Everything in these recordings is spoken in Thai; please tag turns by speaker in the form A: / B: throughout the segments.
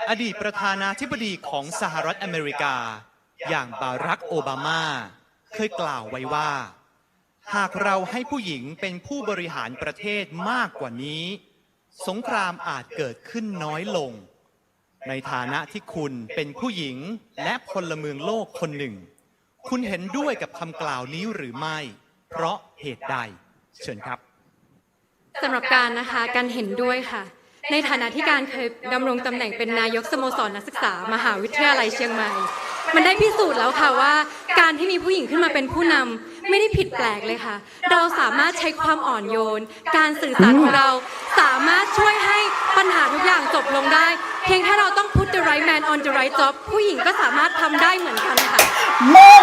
A: อดีตประธานาธิบดีของสหรัฐอเมริกาอย่างบารักโอบามาเคยกล่าวไว้ว่าหากเราให้ผู้หญิงเป็นผู้บริหารประเทศมากกว่านี้สงครามอาจเกิดขึ้นน้อยลงในฐานะที่คุณเป็นผู้หญิงและพลเมืองโลกคนหนึ่งคุณเห็นด้วยกับคำกล่าวนี้หรือไม่เพราะเหตุใดเชิญครับ
B: สำหรับการนะคะการเห็นด้วยค่ะในฐานะที่การเคยดำรงตำแหน่งเป็นนายกสโมสรนักศึกษามหาวิทยาลัยเชียงใหม่มันได้พิสูจน์แล้วค่ะว่าการที่มีผู้หญิงขึ้นมาเป็นผู้นำไม่ได้ผิดแปลกเลยค่ะเราสามารถใช้ความอ่อนโยนการสื่อสารของเราสามารถช่วยให้ปัญหาทุกอย่างจบลงได้เพียงแค่เราต้อง put the right man on the right job ผู้หญิงก็สามารถทำได้เหมือนกันค่ะ
C: มง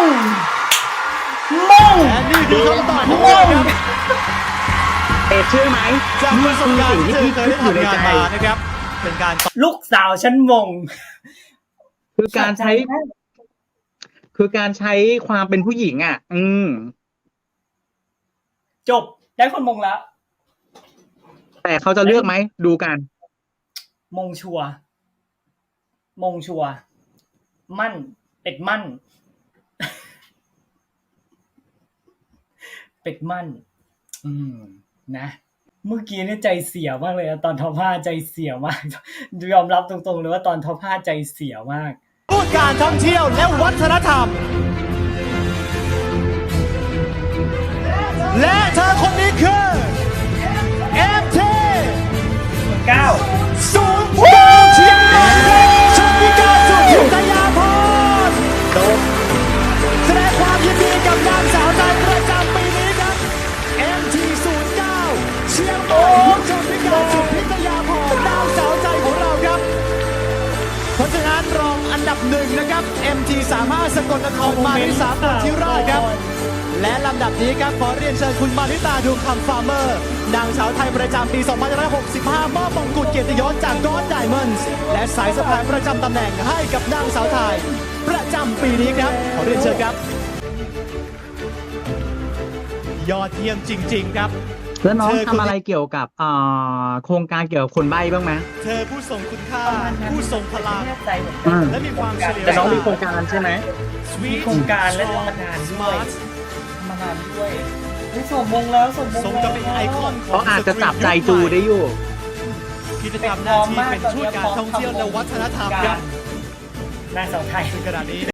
A: และนี่คือคำตอบของเราครับ
D: เชื่อไหม
A: จากประสบการณ์ที่เธอเคยได้ทำงานมานะครับเป็นการ
C: ลูกสาวฉันมง
D: คือการใช้ความเป็นผู้หญิงอ่ะ
C: จบได้คนมงแล้ว
D: แต่เขาจะเลือกไหมดูกัน
C: มงชัวมั่นเป็ดมั่นเป็ดมั่นนะเมื่อกี้เนี่ยใจเสียมากเลยตอนท็อป5ใจเสียมากยอมรับตรงๆเลยว่าตอนท็อป5ใจเสียมาก
A: พูดการท่องเที่ยวและวัฒนธรรมและเธอคนนี้คือ MT
C: 9
A: 09เชียงใหม่ชมพิการสุพิทยาพรแสดงความยินดีกับนางสาวไทยประจำปีนี้ครับ MT 09เชียงใหม่ชมพิการสุพิทยาพรนางสาวใจของเราครับเพราะฉะนั้นรองอันดับหนึ่งนะครับ MT 35สกลนครมาริสาปุธิราชครับและลำดับนี้ครับขอเรียนเชิญคุณมาริตาดูคำฟาร์เมอร์นางสาวไทยประจำปี 2565 มอบมงกุฎเกียรติยศจากกอดไดมอนด์และสายสะพายประจำตำแหน่งให้กับนางสาวไทยประจำปีนี้ครับขอเรียนเชิญครับยอดเยี่ยมจริงๆครับ
D: แล้วน้องทำอะไรเกี่ยวกับโครงการเกี่ยวกับคนใบ้บ้างไหม
A: เธอผู้ทรงคุณค่าผู้ทรงพลังและมีความเฉลียว
D: แต่น้องมีโครงการใช่ไหม
C: มีโครงการและทำงานด้วยส่งมงแล้วส่งมง
A: ส่งจะเป็นไอคอนของ
D: เขาอาจจะจับใจจูได้อยู่
A: กิจกรรมหน้าที่เป็นช่วยการท่องเที่ยวและวัฒนธรรมครับ
C: นางสาวไทย
A: ขณะนี้